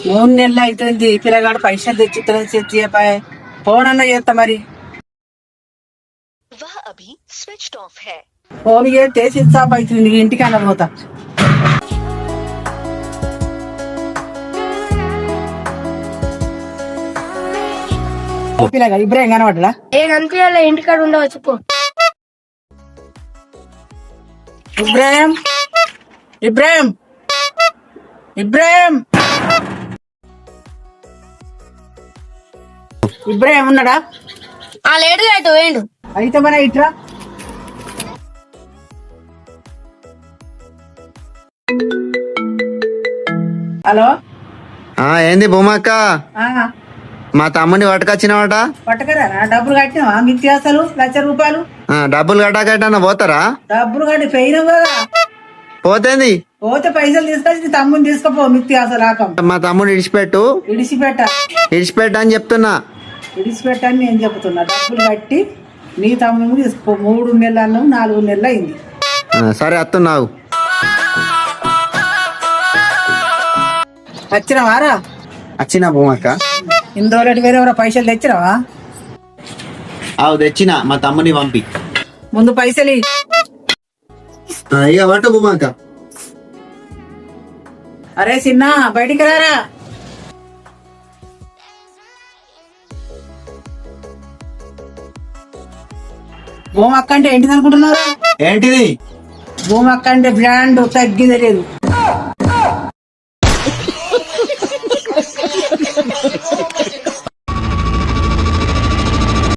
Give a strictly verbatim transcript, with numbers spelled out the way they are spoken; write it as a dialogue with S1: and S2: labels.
S1: మూడు నెలలు అవుతుంది పిల్లగాడు పైసలు తెచ్చి ఫోన్ అన్న చేస్తా మరి ఫోన్ చేస్తే స్విచ్ ఆఫ్ అవుతుంది ఇంటికి అన్న పోతా పిల్లగా ఇబ్రాహిం కనబడ్డా
S2: ఏ కనిపించాలి ఇంటికాడ ఉండవచ్చు పో
S1: ఇబ్రాహిం ఇబ్రాహిం ఇబ్రాహిం ఇబ్రాహిం ఉన్నాడా
S2: ఆ లేడు అయితే వేయండు
S1: అయితే మన ఇట్రా హలో
S3: ఏంది భూమక్క
S1: ఆ,
S3: మా తమ్ముని పట్టుకొచ్చినవాట
S1: పట్టకరా డబ్బులు కట్టినావా మిత్యాసలు లక్ష రూపాయలు
S3: డబ్బులు కట్టాకట్టా పోతారా
S1: డబ్బులు కట్టి పోయినావు కదా
S3: పోతేంది
S1: పోతే పైసలు తీసుకొచ్చి తమ్ముని తీసుకుపో మిత్యాసలు రాకం
S3: మా తమ్ముడు ఇడిచిపెట్టు
S1: ఇడిచిపెట్ట
S3: ఇడిచిపెట్టు అని చెప్తున్నా
S1: ఇడిచిపెట్టని నేను చెప్తున్నా డబ్బులు కట్టి నీ తమ్ముని తీసుకో మూడు నెలలు అన్నావు నాలుగు నెలలు అయింది
S3: ఆ, సరే అత్తున్నావు
S1: వచ్చినావారా
S3: వచ్చిన భూమక్క
S1: ఇన్ని రోజులు వేరే ఎవరో పైసలు తెచ్చినావా
S3: అవు తెచ్చిన మా తమ్ముని పంపి
S1: ముందు పైసలు ఇయ్యి.
S3: ఆ, ఇక పట్టు భూమక్క
S1: అరే చిన్న బయటికి రారా భూమి అక్క అంటే ఏంటిది అనుకుంటున్నారా
S3: ఏంటిది
S1: భూమి అక్క అంటే బ్రాండ్ తగ్గిందే లేదు